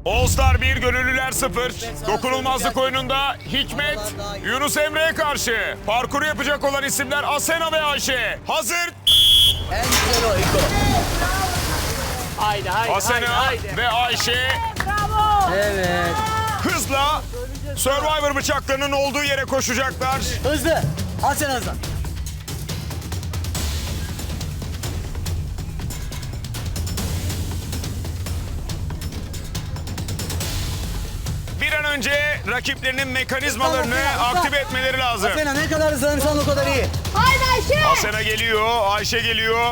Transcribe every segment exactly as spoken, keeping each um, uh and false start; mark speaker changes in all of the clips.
Speaker 1: All Star bir, Gönüllüler sıfır. Dokunulmazlık oyununda Hikmet, Yunus Emre'ye karşı. Parkuru yapacak olan isimler Asena ve Ayşe. Hazır.
Speaker 2: En güzel o İko.
Speaker 3: Haydi haydi
Speaker 1: Asena
Speaker 3: haydi, haydi.
Speaker 1: ve Ayşe
Speaker 2: Evet.
Speaker 1: hızla Survivor bıçaklarının olduğu yere koşacaklar.
Speaker 2: Hızlı. Al sen hızlı.
Speaker 1: Bir an önce rakiplerinin mekanizmalarını aktive etmeleri lazım.
Speaker 2: Asena ne kadar hızlanırsan o kadar iyi.
Speaker 4: Haydi Ayşe.
Speaker 1: Asena geliyor, Ayşe geliyor.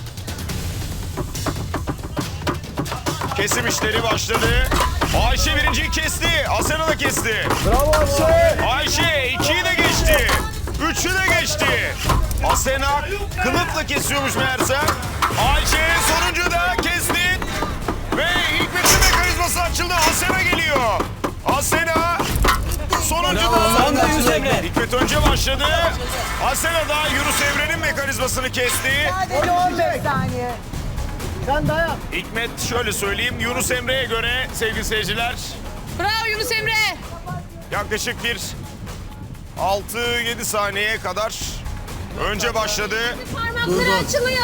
Speaker 1: Kesim işleri başladı. Ayşe birinciyi kesti, Asena da kesti.
Speaker 2: Bravo Ayşe.
Speaker 1: Ayşe ikiyi de geçti. Üçü de geçti. Asena kılıfla kesiyormuş meğerse. Ayşe sonuncu da kesti. Ve Hikmet'in mekanizması açıldı. Asena geliyor. Asena sonuncu da.
Speaker 2: Yunus Emre.
Speaker 1: Hikmet önce başladı. Asena da Yunus Emre'nin mekanizmasını kesti.
Speaker 4: Sadece on beş saniye.
Speaker 2: Sen dayan.
Speaker 1: Hikmet şöyle söyleyeyim, Yunus Emre'ye göre sevgili seyirciler
Speaker 4: Bravo Yunus Emre.
Speaker 1: yaklaşık bir altı yedi saniyeye kadar önce başladı.
Speaker 4: Parmakları açılıyor.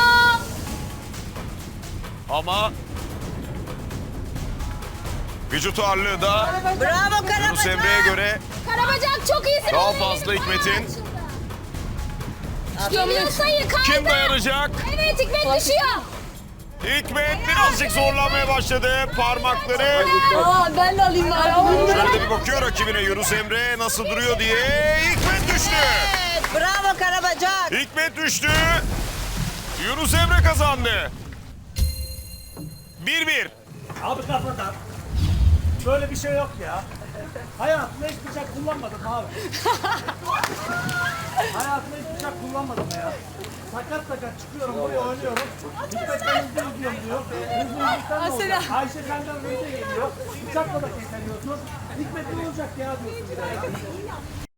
Speaker 1: Ama vücut ağırlığı da
Speaker 4: Bravo
Speaker 1: Yunus Emre'ye göre
Speaker 4: Karabacak çok iyisin.
Speaker 1: daha
Speaker 4: Onun
Speaker 1: fazla
Speaker 4: elini
Speaker 1: Hikmet'in.
Speaker 4: Geliyor sayı kaydı.
Speaker 1: Kim dayanacak?
Speaker 4: Evet Hikmet düşüyor.
Speaker 1: Hikmet birazcık zorlanmaya başladı. Parmakları
Speaker 4: Aa, ben de alayım bari.
Speaker 1: şöyle de bir bakıyor rakibine, Yunus Emre nasıl duruyor diye. Hikmet düştü.
Speaker 4: Bravo Karabacak.
Speaker 1: Hikmet düştü. Yunus Emre kazandı. bir bir.
Speaker 3: Abi kafadan. Böyle bir şey yok ya. Hayatımda hiç bıçak kullanmadım abi. Hayatımda hiç bıçak kullanmadım ya. Sakat sakat çıkıyorum buraya oynuyorum. Hikmet ben hızlı gidiyorum diyor. Hızlı hızlıktan ne olacak? Ayşe senden hızlı geliyor. Bıçakla da kesemiyorsun. Hikmet ne olacak ya diyorsun bir de ya.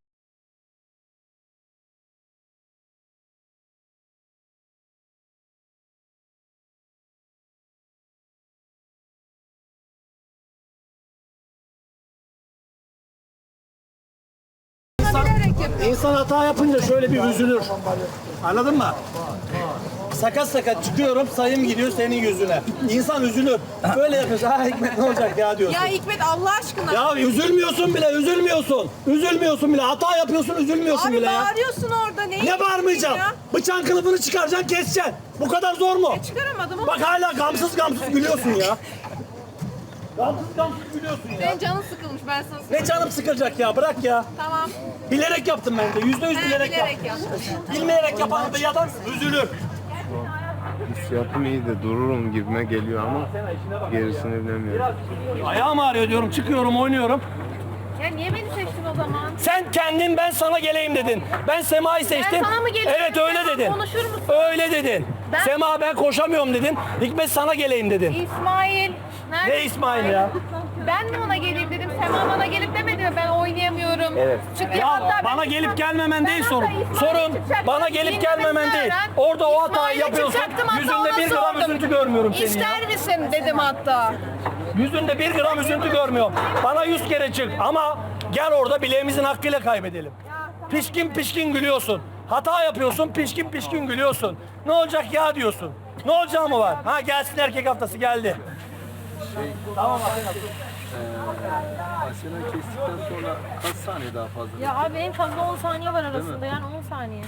Speaker 3: İnsan hata yapınca şöyle bir üzülür. Anladın mı? Sakat sakat çıkıyorum, sayım gidiyor senin yüzüne. İnsan üzülür. Böyle yapıyorsun. Ha Hikmet ne olacak ya diyorsun.
Speaker 5: Ya Hikmet Allah aşkına.
Speaker 3: Ya üzülmüyorsun bile, üzülmüyorsun. Üzülmüyorsun bile. Hata yapıyorsun, üzülmüyorsun
Speaker 5: Abi
Speaker 3: bile ya.
Speaker 5: bağırıyorsun orada. Neyi
Speaker 3: Ne bağırmayacağım?
Speaker 5: ya?
Speaker 3: Bıçağın kılıfını çıkaracaksın, keseceksin. Bu kadar zor mu?
Speaker 5: Çıkaramadım ama.
Speaker 3: Bak hala gamsız gamsız gülüyorsun ya. Gamsız gamsız gülüyorsun ya.
Speaker 5: Senin canın sıkılmış ben sana söyleyeyim.
Speaker 3: Ne canım sıkılacak ya, bırak ya.
Speaker 5: Tamam.
Speaker 3: Bilerek yaptım ben de, yüzde yüz
Speaker 5: He,
Speaker 3: bilerek,
Speaker 5: bilerek
Speaker 3: yaptım.
Speaker 5: yaptın.
Speaker 3: Bilmeyerek yapan bir adam üzülür.
Speaker 6: Hissiyatım iyi de dururum gibime geliyor ama gerisini bilemiyorum.
Speaker 3: Ayağım ağrıyor diyorum, çıkıyorum, oynuyorum.
Speaker 5: Ya niye beni seçtin o zaman?
Speaker 3: Sen kendin ben sana geleyim dedin. Ben Sema'yı seçtim.
Speaker 5: sana mı geleyim
Speaker 3: Evet
Speaker 5: dedim?
Speaker 3: öyle
Speaker 5: Sema,
Speaker 3: dedin.
Speaker 5: konuşur musun?
Speaker 3: Öyle dedin.
Speaker 5: Ben-
Speaker 3: Sema ben koşamıyorum dedin. Hikmet sana geleyim dedin.
Speaker 5: İsmail. Nerede
Speaker 3: Ne İsmail ya?
Speaker 5: Ben mi ona geleyim dedim. Sema bana gelip demedi mi ben oynayamıyorum.
Speaker 3: Evet.
Speaker 5: Çünkü
Speaker 3: Ya
Speaker 5: hatta
Speaker 3: bana
Speaker 5: ben-
Speaker 3: gelip gelmemen
Speaker 5: Ben
Speaker 3: değil
Speaker 5: hatta
Speaker 3: sorun.
Speaker 5: İsmail'le
Speaker 3: Sorun
Speaker 5: çıkacaktım.
Speaker 3: bana gelip
Speaker 5: Dinlemesini
Speaker 3: gelmemen değil.
Speaker 5: öğren.
Speaker 3: Orada o hatayı
Speaker 5: İsmail'le
Speaker 3: yapıyorsun.
Speaker 5: çıkacaktım, hatta
Speaker 3: Yüzünde
Speaker 5: ona
Speaker 3: bir gram
Speaker 5: sordum.
Speaker 3: üzüntü görmüyorum senin ya.
Speaker 5: İster misin dedim hatta.
Speaker 3: Yüzünde bir gram üzüntü görmüyorum. Bana yüz kere çık ama gel orada bileğimizin hakkıyla kaybedelim. Pişkin pişkin gülüyorsun. Hata yapıyorsun, pişkin pişkin gülüyorsun. Ne olacak ya diyorsun. Ne olacağı mı var? Ha gelsin erkek haftası geldi. Tamam abi.
Speaker 6: Asena kestikten sonra kaç saniye daha fazla?
Speaker 5: Ya abi en fazla on saniye var arasında yani on saniye.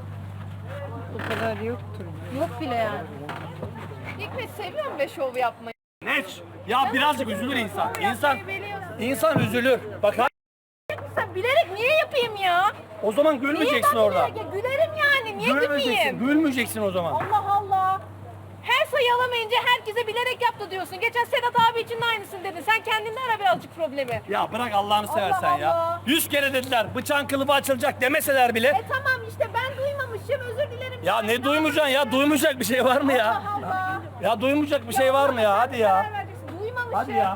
Speaker 4: Bu kadar yoktur.
Speaker 5: Yok bile yani. Hikmet seviyorum be şov yapmayı.
Speaker 3: Ne? Ya birazcık üzülür insan. İnsan
Speaker 5: Biliyorsun.
Speaker 3: insan üzülür. Bak ha-
Speaker 5: Sen bilerek niye yapayım ya?
Speaker 3: o zaman
Speaker 5: Niye
Speaker 3: gülmeyeceksin
Speaker 5: ben
Speaker 3: orada.
Speaker 5: bilerek ya? Gülerim yani. Niye
Speaker 3: Gülmeyeceksin.
Speaker 5: gülmeyeyim?
Speaker 3: Gülmeyeceksin o zaman.
Speaker 5: Allah Allah. Her sayı alamayınca herkese bilerek yaptı diyorsun. Geçen Sedat abi için de aynısını dedin. Sen kendinde ara birazcık problemi.
Speaker 3: Ya bırak Allah'ını seversen
Speaker 5: Allah
Speaker 3: ya.
Speaker 5: Allah.
Speaker 3: Yüz kere dediler bıçağın kılıfı açılacak demeseler bile.
Speaker 5: E tamam işte ben duymamışım özür dilerim.
Speaker 3: Ya ne duymayacaksın ya? Duymayacak bir şey var mı ya?
Speaker 5: Allah Allah.
Speaker 3: Ya duymayacak bir şey var mı ya? Hadi ya.
Speaker 5: Karar vereceksin. Duymamışım.
Speaker 3: Hadi ya.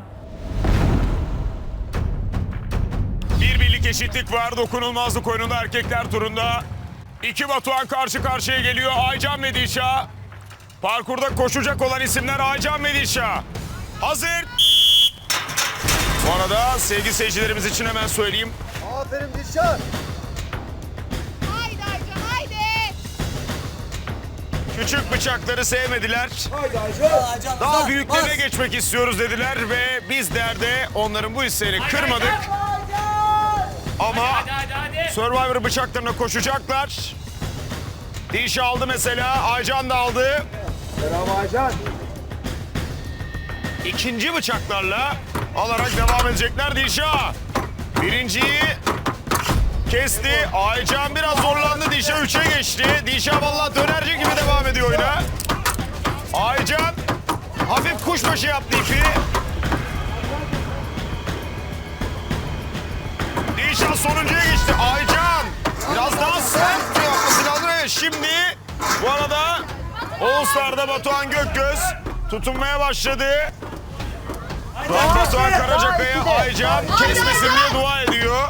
Speaker 1: Bir birlik eşitlik var dokunulmazlık oyununda erkekler turunda. İki Batuhan karşı karşıya geliyor. Aycan ve Dilşah. Parkurda koşacak olan isimler Aycan ve Dilşah. Hazır. Bu arada sevgili seyircilerimiz için hemen söyleyeyim.
Speaker 2: Aferin Dilşah.
Speaker 5: Haydi Aycan haydi.
Speaker 1: Küçük bıçakları sevmediler.
Speaker 2: Aycan
Speaker 1: Daha
Speaker 2: Azam,
Speaker 1: büyüklerine
Speaker 2: bas.
Speaker 1: geçmek istiyoruz dediler ve bizler de onların bu isteğini kırmadık. Ama Survivor bıçaklarına koşacaklar. Dilşah aldı mesela, Aycan da aldı.
Speaker 2: Bravo Aycan.
Speaker 1: İkinci bıçaklarla alarak devam edecekler Dilşah. Birinciyi kesti. Aycan biraz zorlandı. Dilşah üçe geçti. Dilşah vallahi dönerci gibi devam ediyor oyuna. Aycan hafif kuşbaşı yaptı ipi. Dilşah sonuncuya geçti. Aycan biraz daha sert yapması lazım. Evet, şimdi bu arada All Star'da Batuhan Gökgöz tutunmaya başladı. Batuhan Karacakaya Aycan kesmesin diye dua ediyor.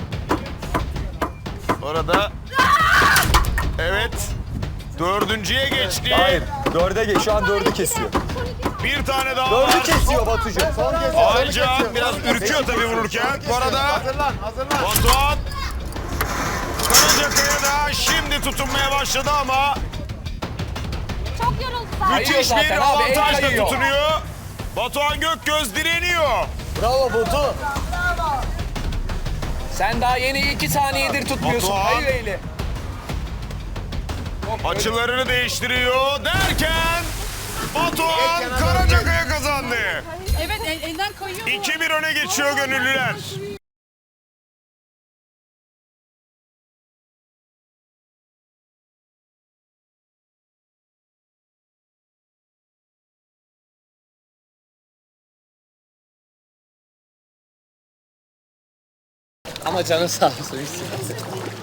Speaker 1: Orada evet dördüncüye geçti.
Speaker 7: Hayır, dörde geç. Şu an dördü kesiyor.
Speaker 1: Bir tane daha
Speaker 7: Dördü
Speaker 1: var.
Speaker 7: kesiyor Batucuğum. Son kez.
Speaker 1: Aycan biraz ürküyor tabii vururken. Bu arada
Speaker 6: Hazırlan, hazırlan.
Speaker 1: Batuhan Karacakaya da şimdi tutunmaya başladı ama
Speaker 5: Çok yoruldu zaten.
Speaker 1: müthiş bir avantajla tutunuyor. Batuhan Gökgöz direniyor.
Speaker 2: Bravo Batu.
Speaker 8: Sen daha yeni iki saniyedir tutmuyorsun.
Speaker 1: Batuhan.
Speaker 8: Hayır Eyle.
Speaker 1: Açılarını değiştiriyor derken Batuhan Karacakaya kazandı.
Speaker 5: Evet el, elden kayıyor.
Speaker 1: iki bir öne geçiyor gönüllüler.
Speaker 8: Ama canın sağ olsun. Hiç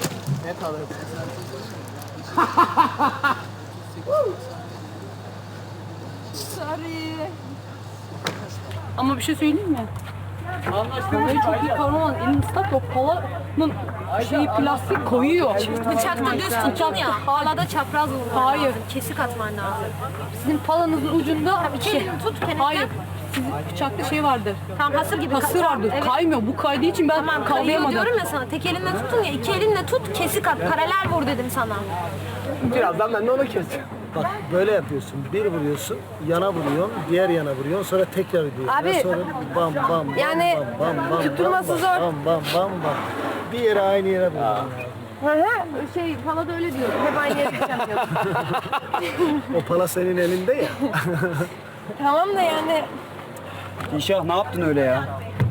Speaker 9: Ama bir şey söyleyeyim mi? Vallahi çok iyi kavraman. Elin ıslak o kolanın şeyi plastik koyuyor.
Speaker 4: Bıçakta düz tutun ya. Hala da çapraz vurman
Speaker 9: Hayır.
Speaker 4: lazım. Kesik atman lazım.
Speaker 9: Sizin palanızın ucunda
Speaker 4: İki
Speaker 9: şey.
Speaker 4: elini tut kenardan.
Speaker 9: Hayır. Sizin bıçakta şey vardır.
Speaker 4: Tam hasır gibi.
Speaker 9: Hasır vardır.
Speaker 4: Evet.
Speaker 9: Kaymıyor. Bu kaydığı için ben
Speaker 4: Tamam kayıyor
Speaker 9: kavrayamadım.
Speaker 4: diyorum ya sana. Tek elinle tutun ya. İki elinle tut kesik at. Paralel vur dedim sana.
Speaker 2: Birazdan ben de onu keseceğim. Bak böyle yapıyorsun. Bir vuruyorsun, yana vuruyorsun, diğer yana vuruyorsun, sonra tekrar vuruyorsun.
Speaker 4: Abi,
Speaker 2: sonra bam bam bam
Speaker 4: yani
Speaker 2: bam bam bam
Speaker 4: tutturması
Speaker 2: bam,
Speaker 4: zor.
Speaker 2: Bam bam bam bam. Bir yere aynı yere vuruyorsun.
Speaker 4: Hı hı. Şey Pala da öyle diyor. Hep aynı yere gideceğim diyor.
Speaker 2: O pala senin elinde ya.
Speaker 4: Tamam da yani
Speaker 7: Dilşah ne yaptın öyle ya?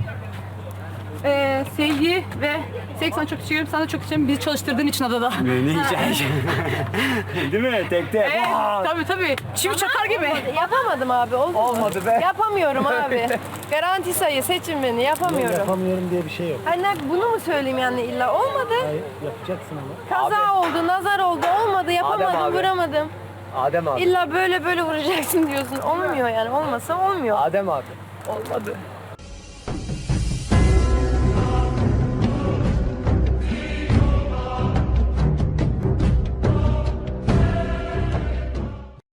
Speaker 9: Ee, sevgi ve seks sana çok teşekkür ederim. Sana da çok teşekkür ederim. Bizi çalıştırdığın için adada.
Speaker 7: Ne hikaye? Değil mi? Tek tek.
Speaker 9: Evet, tabii tabii. Çivi çakar gibi.
Speaker 5: Yapamadım abi. Oldu mu?
Speaker 7: Olmadı be.
Speaker 5: Yapamıyorum abi. Garanti sayı seçin beni. Yapamıyorum.
Speaker 2: Yapamıyorum diye bir şey yok.
Speaker 5: Anne bunu mu söyleyeyim yani illa? Olmadı.
Speaker 2: Hayır, yapacaksın ama.
Speaker 5: Kaza oldu, nazar oldu. Olmadı, yapamadım,
Speaker 7: abi.
Speaker 5: vuramadım.
Speaker 7: Adem abi.
Speaker 5: İlla böyle böyle vuracaksın diyorsun. Olmuyor yani. Olmasa olmuyor.
Speaker 7: Adem abi. Olmadı.